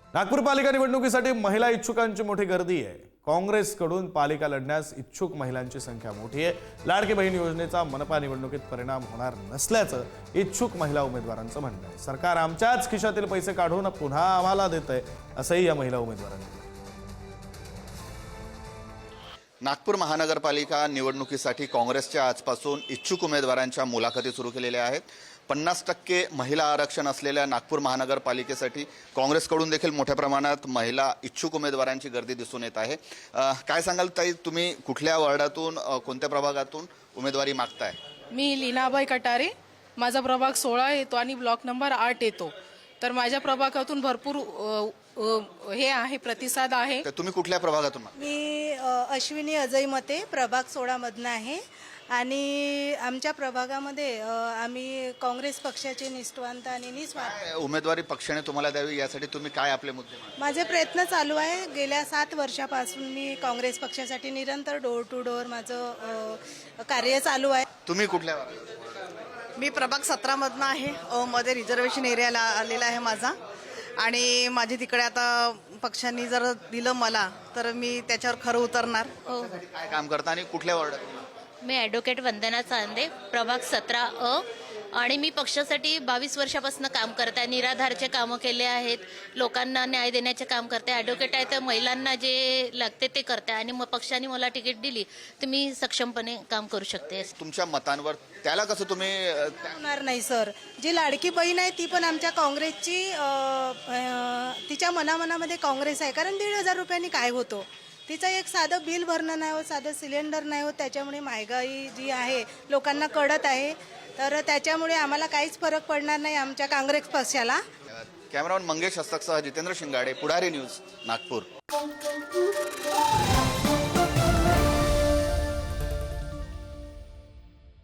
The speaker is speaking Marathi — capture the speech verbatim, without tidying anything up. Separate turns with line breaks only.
नागपूर पालिका निवडणुकीसाठी महिला इच्छुकांची मोठी गर्दी आहे। काँग्रेसकडून पालिका लढण्यास इच्छुक महिलांची संख्या मोठी आहे। लाडकी बहीण योजनेचा मनपा निवडणुकीत परिणाम होणार नसल्याचं इच्छुक महिला उमेदवारांचं म्हणणं आहे। सरकार आमच्याच खिशातील पैसे काढून पुन्हा आम्हाला देतंय असंही या महिला उमेदवारांनी म्हटलं।
नागपूर महानगरपालिका निवडणुकीसाठी काँग्रेसच्या आजपासून इच्छुक उमेदवारांच्या मुलाखती सुरू केलेल्या आहेत। पन्नास टक्के महिला आरक्षण असलेल्या नागपूर महानगरपालिकेसाठी काँग्रेसकडून देखील मोठ्या प्रमाणात महिला इच्छुक उमेदवारांची गर्दी दिसून येत आहे। काय सांगाल ताई, तुम्ही कुठल्या वार्डातून कोणत्या प्रभागातून उमेदवारी मागताय?
मी लीनाबाई कटारे, माझा प्रभाग सोळा येतो आणि ब्लॉक नंबर आठ येतो। तर माझ्या प्रभागातून भरपूर हे आहे, प्रतिसाद आहे।
तर तुम्ही कुठल्या प्रभागातून?
मी अश्विनी अजय मते, प्रभाग सोळा मधनं आहे आणि आमच्या प्रभागामध्ये आम्ही काँग्रेस पक्षाचे निष्ठावंत आणि निस्वार्थ
उमेदवारी पक्षाने तुम्हाला द्यावी यासाठी तुम्ही काय आपले मुद्दे मांडता?
माझे प्रयत्न चालू आहे। गेल्या सात वर्षापासून मी काँग्रेस पक्षासाठी निरंतर डोर टू डोर माझं कार्य चालू आहे।
तुम्ही कुठल्या?
मी प्रभाग सतरा मधनं आहे। अ मध्ये रिझर्वेशन एरियाला आलेला आहे माझा आणि माझे तिकडे आता पक्षांनी जर दिलं मला तर मी त्याच्यावर खरं उतरणार।
काय काम करता आणि कुठल्या वार्डात?
मी ॲडव्होकेट वंदना चांदे, प्रभाग सतरा अ, आणि मी पक्षासाठी बावीस वर्षापासून काम करते। निराधारचे कामं केले आहेत, लोकांना न्याय देण्याचे काम करते। ॲडव्होकेट आहे तर महिलांना जे लागते ते करते आणि मग पक्षाने मला तिकीट दिली तर मी सक्षमपणे काम करू शकते।
तुमच्या मतांवर त्याला कसं तुम्ही?
होणार नाही सर। जी लाडकी बहीण आहे ती पण आमच्या काँग्रेसची, तिच्या मनामनामध्ये काँग्रेस आहे। कारण दीड हजार रुपयांनी काय होतो? तिचं एक साधं बिल भरणं नाही होत, साधं सिलेंडर नाही होत। त्याच्यामुळे महागाई जी आहे लोकांना कळत आहे, तर त्याच्यामुळे आम्हाला काहीच फरक पडणार नाही आमच्या काँग्रेस पक्षाला।
कॅमेरामन मंगेश हस्तकसह जितेंद्र शिंगाडे, पुढारी न्यूज, नागपूर।